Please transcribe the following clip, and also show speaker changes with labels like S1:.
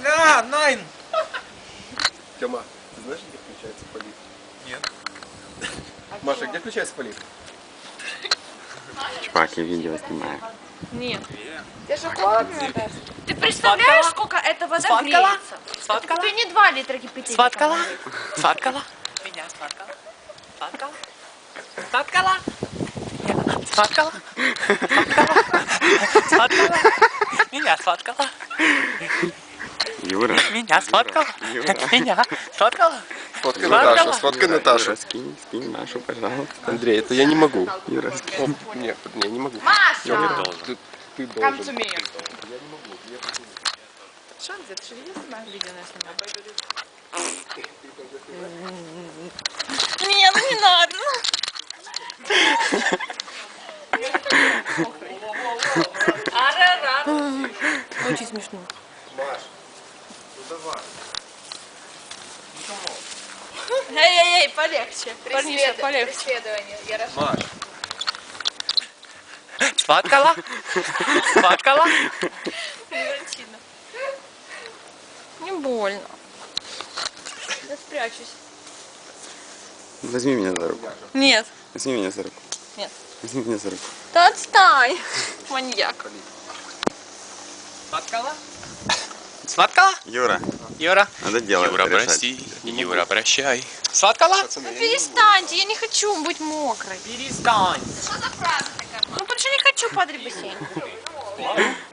S1: Бля, найн!
S2: Тёма, ты знаешь, где включается полив?
S1: Нет.
S2: Маша, где включается полив?
S3: Чувак, я видео снимаю.
S4: Нет.
S5: Тебе же холодно, да?
S4: Ты представляешь, сколько эта вода
S5: Сфоткала?
S4: греется?
S5: Сфоткала?
S4: Тебе не 2 литра кипятить.
S5: Сфоткала? Сфоткала? Меня сфоткала? Сфоткала? Сфоткала? Сфоткала? Сфоткала? Меня сфоткала?
S3: Юра.
S5: Меня сфоткала?
S3: Юра.
S5: Меня сфоткала?
S2: Сфоткай Наташу, сфоткай Наташу.
S3: Юра, скинь Машу, пожалуйста.
S2: Андрей, это я не могу.
S3: Юра, скинь.
S2: Нет, я не могу.
S4: Маша!
S2: Ты
S4: Come
S2: должен.
S4: to me.
S2: Я не могу.
S4: Что он где-то? Ты же видел сама видео на снимал? Не, ну не надо. Арарар. Очень смешно.
S2: Маш, ну давай.
S4: Эй-эй-эй, полегче. Парниша, полегче.
S5: Преследование. Я
S2: Маш,
S5: сфоткала? Сфоткала?
S4: Превратина. Не больно. Я спрячусь.
S3: Возьми меня за руку.
S4: Нет.
S3: Возьми меня за руку.
S4: Нет.
S3: Возьми меня за руку.
S4: Да отстань. Маньяк.
S5: Сфоткала? Сфоткала?
S3: Юра,
S5: Юра?
S3: надо дело
S1: Юра,
S3: решать.
S1: прости. Юра, прощай.
S5: Сфоткала?
S2: пацаны,
S4: Ну
S2: я не могу.
S4: перестаньте, я не хочу быть мокрой.
S5: Перестань.
S4: Что за фраза такая? Ну потому что не хочу падать в бассейн.